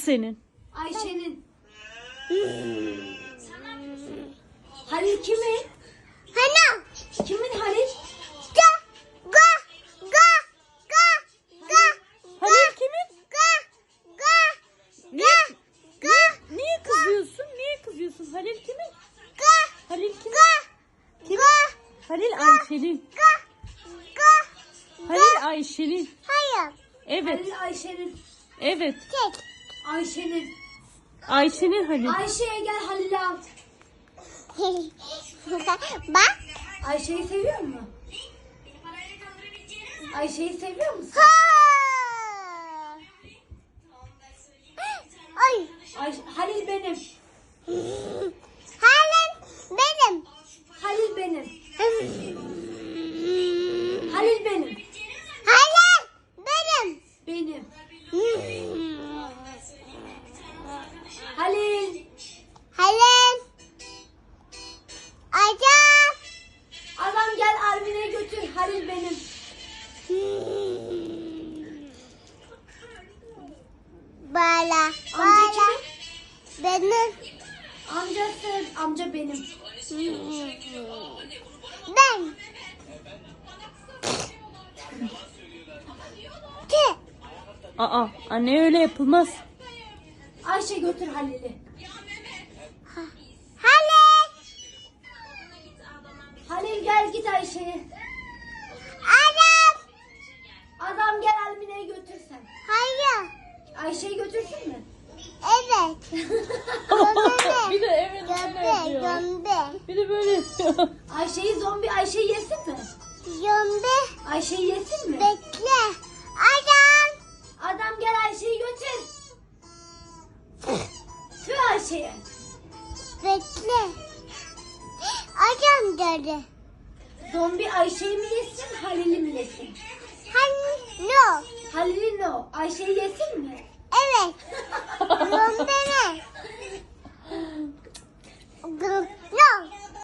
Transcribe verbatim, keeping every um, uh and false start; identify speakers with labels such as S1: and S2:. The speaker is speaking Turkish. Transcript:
S1: senin?
S2: Ayşe'nin. Halil kimin?
S3: Hana.
S2: Kimin Halil?
S3: Ga. Ga. Ga. Ga. Ga.
S1: Halil kimin?
S3: Ga. Ga.
S1: Niye,
S3: Ga.
S1: niye kızıyorsun? Niye kızıyorsun? Halil kimin?
S3: Ga.
S1: Halil kimin?
S3: Ga.
S1: Kimin?
S3: Ga.
S1: Halil Ayşe'nin.
S3: Ga. Ga.
S1: Halil Ayşe'nin.
S3: Hayır.
S1: Evet.
S2: Halil Ayşe'nin.
S1: Evet.
S3: Tek.
S2: Ayşe'nin.
S1: Ayşe'nin Halil.
S2: Ayşe'ye gel Halil'i al.
S3: Bak.
S2: Ayşe'yi seviyor musun? Ayşe'yi seviyor musun?
S3: Ha. Ay.
S2: Ay, Halil benim.
S3: Halen benim.
S2: Halil benim. Halil benim.
S3: Halen benim.
S2: Benim. Halil.
S3: Halen. Acam.
S2: Adam gel Armin'e götür. Halil benim.
S3: Bala.
S2: Amca
S3: Bala.
S2: kimin?
S3: Benim.
S2: Amcası. Amca benim.
S3: Ben. Ki.
S1: Aa, anne öyle yapılmaz.
S2: Ayşe götür Halil'i.
S3: Halen.
S2: Halil gel git Ayşe'ye.
S3: Adam.
S2: Adam gel Armin'e götür sen.
S3: Hayır.
S2: Ayşe'yi götürsün mü?
S3: Evet.
S1: Bir de evet öyle
S3: Gömbe.
S1: yapıyor.
S3: Gömbe.
S1: Bir de böyle yapıyor.
S2: Ayşe'yi zombi Ayşe'yi yesin mi?
S3: Gömbe.
S2: Ayşe'yi yesin mi?
S3: Bekle. Adam.
S2: Adam gel Ayşe'yi götür. Tüh Ayşe'ye.
S3: Bekle. Adam dedi.
S2: Zombi Ayşe'yi mi yesin Halil'i mi yesin?
S3: Hani no.
S2: Halil'i no. Ayşe'yi yesin mi?
S3: Evet. No.